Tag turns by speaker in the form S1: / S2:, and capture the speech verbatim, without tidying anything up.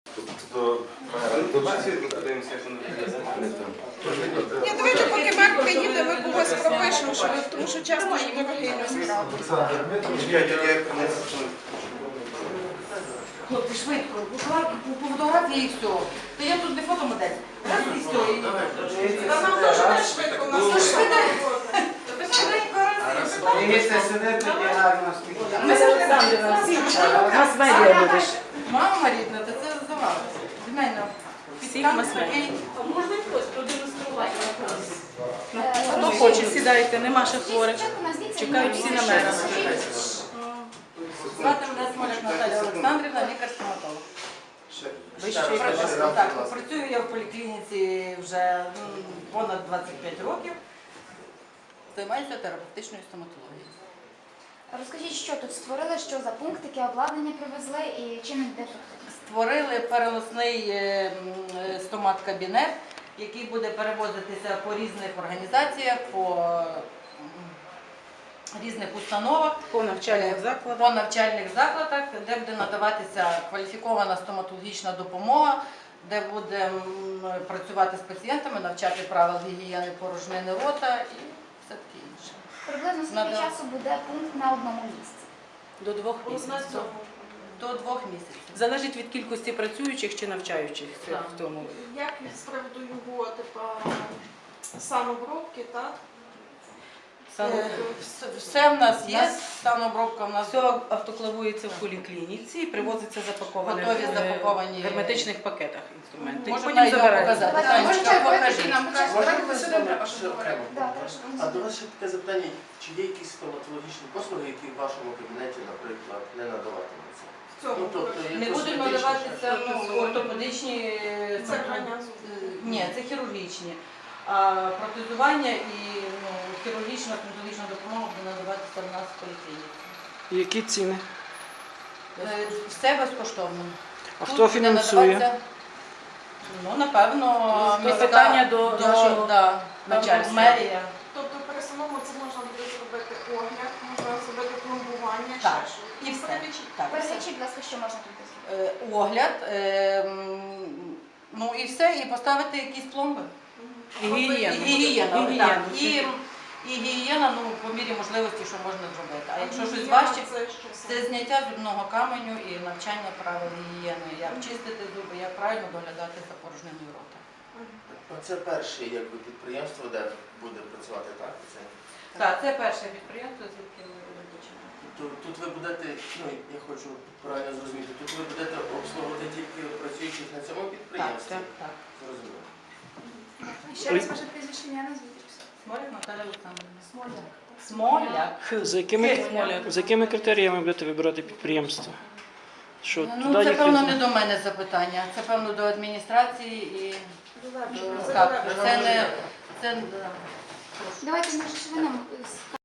S1: Тобто до бесіди подивимося, що не буде.
S2: Ні, давайте поки Марк приїде, ми когось пропишемо, що ви- тому що часто ж дорогий не справді.
S1: Чекайте, я принесу.
S3: Хлопці, швидко, буквально по фотографії і все. То я тут не фотомодель. Раз і все. і-
S2: Та нам теж не швидко, у нас
S3: Ну,
S2: теж
S3: швидко.
S2: робота.
S3: Та ви швиденько раз.
S4: Дивіться сюди, тоді гарно скільки.
S3: Ми завжди
S5: У нас медіа будеш.
S3: Мама рідна, то це здавалося. Від мене.
S5: Всіх мас-медіа.
S2: А можна хтось продемонструвати на когось?
S5: Хто хоче, сідайте, нема ще хворих. Чекають всі на мене.
S3: Звати мене Смоляк Наталія Олександрівна, лікар-стоматолог.
S4: Вищий
S3: Так, працюю я в поліклініці вже м, понад двадцять п'ять років. Займаюся терапевтичною стоматологією.
S6: Розкажіть, що тут створили, що за пунктики, обладнання привезли і чим він де тут?
S3: Створили переносний е, м, стомат-кабінет, який буде перевозитися по різних організаціях, по м, різних установах,
S5: По навчальних
S3: по
S5: закладах.
S3: навчальних закладах, де буде надаватися кваліфікована стоматологічна допомога, де буде м, працювати з пацієнтами, навчати правил гігієни порожнини рота і все таке інше.
S6: Приблизно скільки
S3: Надо.
S6: часу буде пункт на одному місці?
S5: До двох
S2: На
S5: місяців.
S2: цьому.
S3: До двох місяців.
S5: Залежить від кількості працюючих чи навчаючих це
S3: Так.
S5: в тому.
S2: Як з приводу його, типа, самообробки, так?
S3: Сан-
S2: Е,
S3: Все, все в нас є, станобробка в нас
S5: Все автоклавується в поліклініці і привозиться запаковане
S3: Готові
S5: в
S3: запаковані-
S5: в герметичних пакетах інструменти. І
S3: Можемо
S5: потім
S3: його
S5: забирають.
S3: показати.
S6: Давайте,
S3: Танечка,
S6: можете
S3: покажи.
S6: нам
S7: Можна сюди треба, щоб говорити?
S6: Да, теж.
S7: А до вас ще таке запитання, чи є якісь стоматологічні послуги, які в вашому кабінеті, наприклад, не надаватимуться?
S2: В цьому
S7: Ну, тобто, є
S3: Не будуть
S7: косметичні
S3: надаватися
S7: ще?
S3: ну, ортопедичні,
S2: Це
S3: ну,
S2: крайня
S3: е,
S2: зустріч.
S3: ні, це хірургічні. А протезування і ну, хірургічна стоматологічна допомога буде надаватися в нас в поліклініці.
S5: Які ціни?
S3: Е, Все безкоштовно.
S5: А
S3: Тут
S5: хто
S3: буде
S5: фінансує?
S3: надаватися, Ну, напевно,
S5: Це
S3: міська-
S5: питання до нашого
S3: да,
S5: начальства.
S3: мерія.
S2: Тобто при самому це можна буде зробити огляд, можна зробити пломбування, ще
S3: Так,
S2: щось.
S3: і все.
S2: Перелічіть.
S3: Так, все.
S6: Перелічіть, будь ласка, що можна тут зробити.
S3: Е, Огляд, е, м, ну і все, і поставити якісь пломби.
S5: І гігієну.
S3: І гігієна,
S5: Гігієну,
S3: так.
S5: це-
S3: І, і гігієна, ну, по мірі можливості, що можна зробити. А якщо щось
S2: Гігієна
S3: важче,
S2: це що
S3: це
S2: саме?
S3: зняття зубного каменю і навчання правил гігієни, як чистити зуби, як правильно доглядати за порожниною рота.
S7: Оце перше якби, підприємство, де буде працювати, так? Це,
S3: Так, це перше підприємство, звідки ми розпочинаємо.
S7: тут, тут ви будете, ну я хочу правильно зрозуміти, тут ви будете обслуговувати тільки працюючих на цьому
S3: Так,
S7: підприємстві?
S3: так, так.
S7: Зрозуміло.
S6: Ще раз ваше прізвище, ім'я, назвіть.
S3: Смоляк Наталя Олександрівна. Смоляк. Смоляк.
S5: За якими, за якими критеріями будете вибирати підприємство? Що
S3: Ну,
S5: туди
S3: це
S5: їхати?
S3: певно не до мене запитання, це певно до адміністрації і до
S2: Це
S3: так, це не це.
S6: Давайте, може, ще ви нам